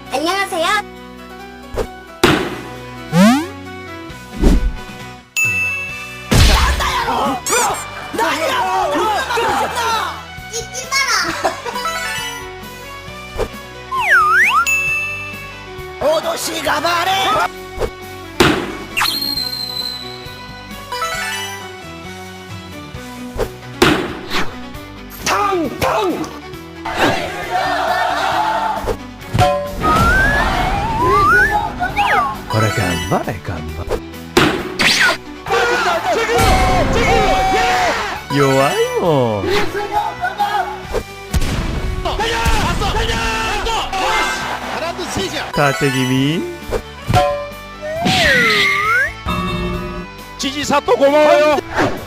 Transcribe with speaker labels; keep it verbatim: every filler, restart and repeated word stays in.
Speaker 1: 안녕하세요. 찢지 마라.
Speaker 2: 오도씨가 말해. 탕탕.
Speaker 3: これ頑張れ頑張れ弱いもん縦気味
Speaker 4: 지지사또 고마워요.